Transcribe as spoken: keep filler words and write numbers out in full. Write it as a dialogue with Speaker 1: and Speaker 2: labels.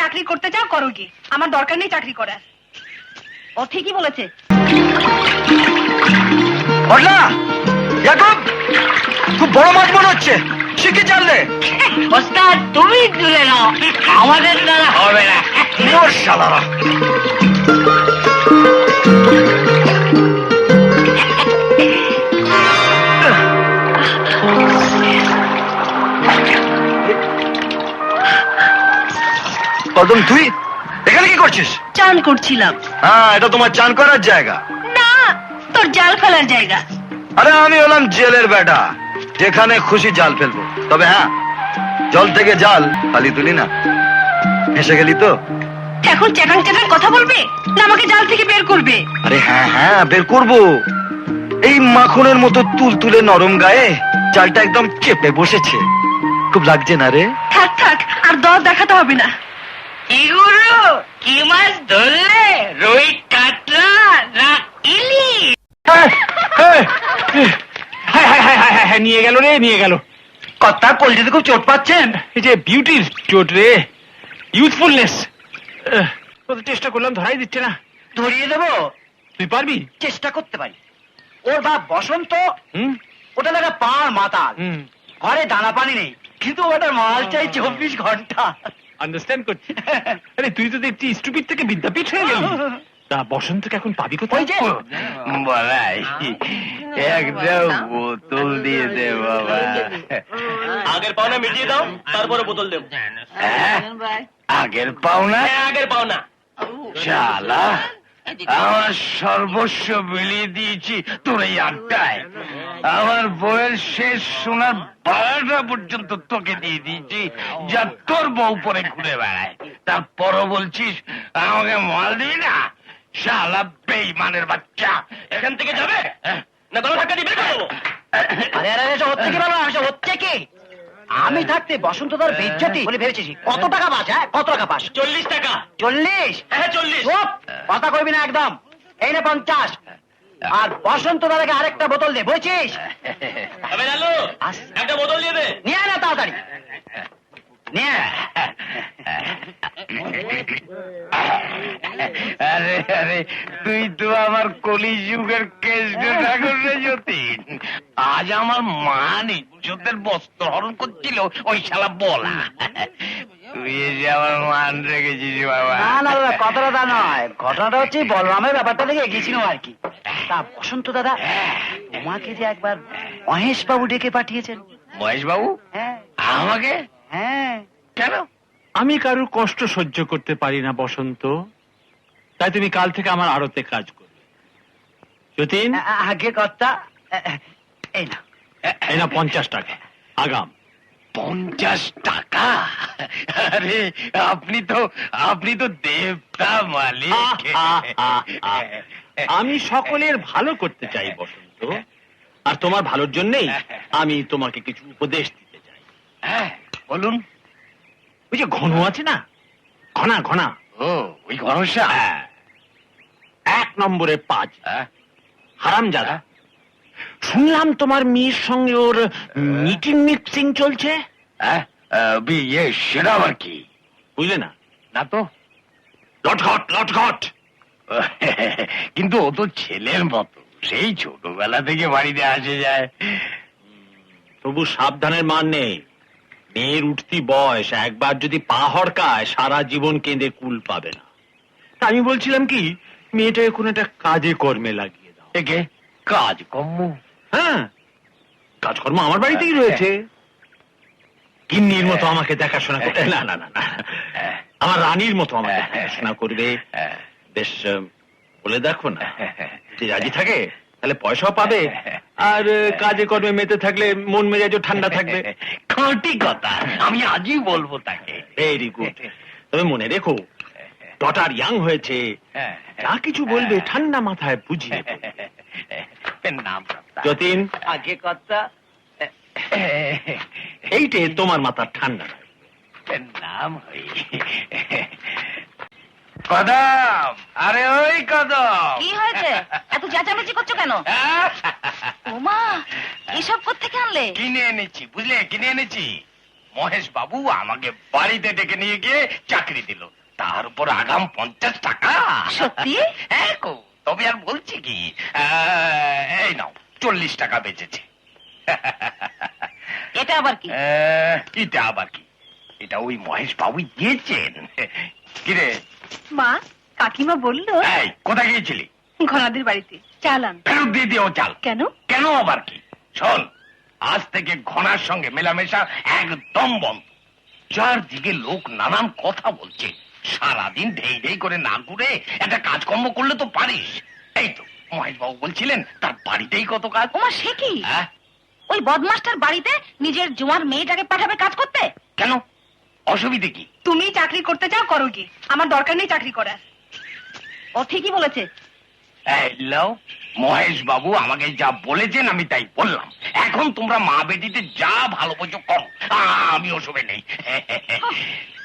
Speaker 1: চাকরি করতে চাও করো কি, আমার দরকার নেই চাকরি করার। ও ঠিকই বলেছে।
Speaker 2: খুব বড় মাছ মনে হচ্ছে, শিখে জানলে
Speaker 3: ওস্তাদ তুমি তুলে নাও, আমাদের দ্বারা হবে না।
Speaker 2: মোর শালারা। কদম তুই এখানে কি করছিস?
Speaker 1: চান করছিলাম।
Speaker 2: হ্যাঁ, এটা তোমার চান করার জায়গা
Speaker 1: না, তোর জাল ফেলার জায়গা।
Speaker 2: আরে আমি হলাম জেলের বেটা, যেখানে খুশি জাল ফেলবো। তবে হ্যাঁ, জল থেকে জাল খালি তুলি না। এসে গেলি তো
Speaker 1: এখন চ্যাটাং চ্যাটাং কথা বলবে না আমাকে জাল থেকে বের করবে?
Speaker 2: আরে হ্যাঁ হ্যাঁ, বের করবো। এই মাখনের মতো তুল তুলে নরম গায়ে জালটা একদম চেপে বসেছে। খুব লাগছে না রে?
Speaker 1: থাক থাক, আর দর দেখাতে হবে না।
Speaker 3: কি গুরু, কি মাছ ধরলে? রুই, কাতলা না ইলিশ?
Speaker 4: নিয়ে গেল রে, নিয়ে গেল।
Speaker 2: কথা কলজেতে খুব চোট পাচ্ছেন?
Speaker 4: এই যে বিউটির চোট রে, ইউথফুলনেস। চেষ্টা করলাম, ধরাই দিচ্ছে না।
Speaker 2: ধরিয়ে দেবো?
Speaker 4: তুই পারবি?
Speaker 2: চেষ্টা করতে পারি। ওর বাপ বসন্ত,
Speaker 4: হুম
Speaker 2: ওটা দেখা পার মাতাল।
Speaker 4: হুম
Speaker 2: ঘরে দানা পানি নেই, কিন্তু ওটা মাল চাই চব্বিশ ঘন্টা।
Speaker 4: আন্ডারস্ট্যান্ড করছি। আরে তুই তো দেখছি স্টুপিড থেকে বিদ্যাপীঠ হয়ে গেলি। তা বসন্তকে এখন পাবি কোথায়?
Speaker 2: ওই যে
Speaker 5: বলাই একটা বোতল দিয়ে দে বাবা।
Speaker 3: আগের পাওনা মিটিয়ে দাও, তারপরে বোতল দেবো।
Speaker 5: হ্যাঁ? আগের পাওনা?
Speaker 3: আগের পাওনা।
Speaker 5: শালা, আমার সর্বস্ব বিলিয়ে দিয়েছি তোর এই আড্ডায়। আমার বউয়ের শেষ সোনার বারোটা পর্যন্ত তোকে দিয়ে দিয়েছি, যা তোর বউ পরে ঘুরে বেড়ায়। তারপরও বলছিস আমাকে মাল দিবি না? শালা বেঈমানের বাচ্চা,
Speaker 3: এখান থেকে যাবে না গলা ধাক্কা দিয়ে বের করে দেবো।
Speaker 2: আরে আরে এসব হচ্ছে কি বাবা? এসব হচ্ছে কি? আমি থাকতে বসন্ত তোর বেজ্জতি বলে ভেবেছিস? কত টাকা পাস? হ্যাঁ, কত টাকা পাস?
Speaker 3: চল্লিশ টাকা।
Speaker 2: চল্লিশ?
Speaker 3: হ্যাঁ চল্লিশ।
Speaker 2: চুপ! কথা কইবি না একদম। এই নে পঞ্চাশ। আর বসন্ত দাদাকে আরেকটা বোতল দে, বুঝছিস?
Speaker 3: আবে লালু, একটা বোতল দিয়ে দে।
Speaker 2: নিয়ে আয় না তাড়াতাড়ি, নিয়ে আয়।
Speaker 5: আরে আরে, তুই তো আমার কলিযুগের কেষ্ট ঠাকুর রে যতীন। আজ আমার মান ইজ্জতের বস্ত্র হরণ করছিল ওই শালা বলা। তুই এসে আমার মান রেখেছিস বাবা।
Speaker 2: না না দাদা, কথাটা তা নয়। ঘটনাটা হচ্ছে বলরামের ব্যাপারটা দেখে এগিয়েছিলাম আর কি। তা বসন্ত দাদা, তোমাকে যে একবার মহেশ বাবু ডেকে পাঠিয়েছেন।
Speaker 5: মহেশ বাবু?
Speaker 2: হ্যাঁ
Speaker 5: আমাকে?
Speaker 2: হ্যাঁ।
Speaker 5: কেন?
Speaker 4: আমি কারোর কষ্ট সহ্য করতে পারি না বসন্ত, তাই তুমি কাল থেকে আমার আড়তে কাজ করবে। যতীন,
Speaker 2: আ- আগে কথা, এই না।
Speaker 4: এই না পঞ্চাশ টাকা আগাম।
Speaker 5: পঞ্চাশ টাকা? আরে আপনি তো আপনি তো দেবতা মালিক।
Speaker 4: আমি সকলের ভালো করতে চাই বসন্ত, আর তোমার ভালোর জন্যই আমি তোমাকে কিছু উপদেশ দিতে চাই।
Speaker 5: হ্যাঁ বলুন।
Speaker 4: ওই যে ঘন আছে না, ঘনা ঘনা,
Speaker 5: ও ওই ঘনশ্যাম?
Speaker 4: হ্যাঁ, এক নম্বরে পাঁচ হারামজাদা। শুনলাম তোমার মেয়ের সঙ্গে ওর মিটিং মিক্সিং চলছে।
Speaker 5: হ্যাঁ, বিয়ে সেটা আবার কি?
Speaker 4: বুঝলে না?
Speaker 5: না তো।
Speaker 4: লটঘট লটঘট।
Speaker 5: কিন্তু ও তো ছেলের মতো, সেই ছোটবেলা থেকে বাড়িতে আসে যায়।
Speaker 4: তবু সাবধানের মান নেই। মেয়ের উঠতি বয়স, একবার যদি পা হড়কায় সারা জীবন কেঁদে কুল পাবে না। তা আমি বলছিলাম কি, মেয়েটাকে কোন একটা কাজে কর্মে লাগিয়ে দাও।
Speaker 5: একে কাজ কর্ম?
Speaker 4: হ্যাঁ, কাজকর্ম আমার বাড়িতেই রয়েছে। গিন্নির মতো আমাকে দেখাশোনা করবে, না না না না, আমার রানীর মতো আমাকে দেখাশোনা করবে। বেশ বলে দেখো না, যদি রাজি থাকে তাহলে পয়সাও পাবে, আর কাজে কর্মে মেতে থাকলে মন মেজাজও ঠান্ডা থাকবে।
Speaker 5: খাঁটি কথা, আমি আজই বলবো তাকে।
Speaker 4: Very good. তবে মনে রেখো, ডটার ইয়াং হয়েছে, যা কিছু বলবে ঠান্ডা মাথায় বুঝিয়ে
Speaker 5: নাম
Speaker 4: যতীন,
Speaker 2: আগে কথা,
Speaker 4: এইটে তোমার মাথার ঠান্ডা
Speaker 5: নাম হই কদম। আরে ওই কদম,
Speaker 1: কি হয়েছে? এত চেঁচামেচি করছো কেন? ওমা, এসব কোত্থেকে আনলে?
Speaker 5: কিনে এনেছি, বুঝলে, কিনে এনেছি। মহেশ বাবু আমাকে বাড়িতে ডেকে নিয়ে গিয়ে চাকরি দিল, তার উপর আগাম পঞ্চাশ টাকা।
Speaker 1: সত্যি?
Speaker 5: হ্যাঁ গো, তবে আর বলছি কি, আহ, এই নাও চল্লিশ টাকা বেঁচেছে।
Speaker 1: এটা আবার কি?
Speaker 5: আহ, এটা আবার কি, এটা ওই মহেশ বাবু দিয়েছেন। কিরে,
Speaker 1: মা, কাকিমা বললো
Speaker 5: এই কোথায় গিয়েছিলি?
Speaker 1: ঘনাদের বাড়িতে চালান।
Speaker 5: ফেরত দিয়ে দিও চাল।
Speaker 1: কেন?
Speaker 5: কেন আবার কি? শোন, আজ থেকে ঘনার সঙ্গে মেলামেশা একদম বন্ধ। চারদিকে লোক নানান কথা বলছে, সারাদিন ঢেই ঢেই করে না ঘুরে একটা কাজকর্ম করলে তো পারিস। এই তো মহেশ বাবু বলছিলেন তার বাড়িতেই কত কাজ।
Speaker 1: ওমা, সে কি?
Speaker 5: হ্যাঁ?
Speaker 1: ওই বদমাস্টার বাড়িতে নিজের জোয়ার মেয়েটাকে পাঠাবে কাজ করতে?
Speaker 5: কেন, অসুবিধে কি?
Speaker 1: তুমি চাকরি করতে চাও, করো কি, আমার দরকার নেই চাকরি করার। ও ঠিকই বলেছে।
Speaker 5: এই লও, মহেশ বাবু আমাকে যা বলেছেন আমি তাই বললাম। এখন তোমরা মা বেটিতে যা ভালো বোঝো করো, আ- আমি ওসবে নেই।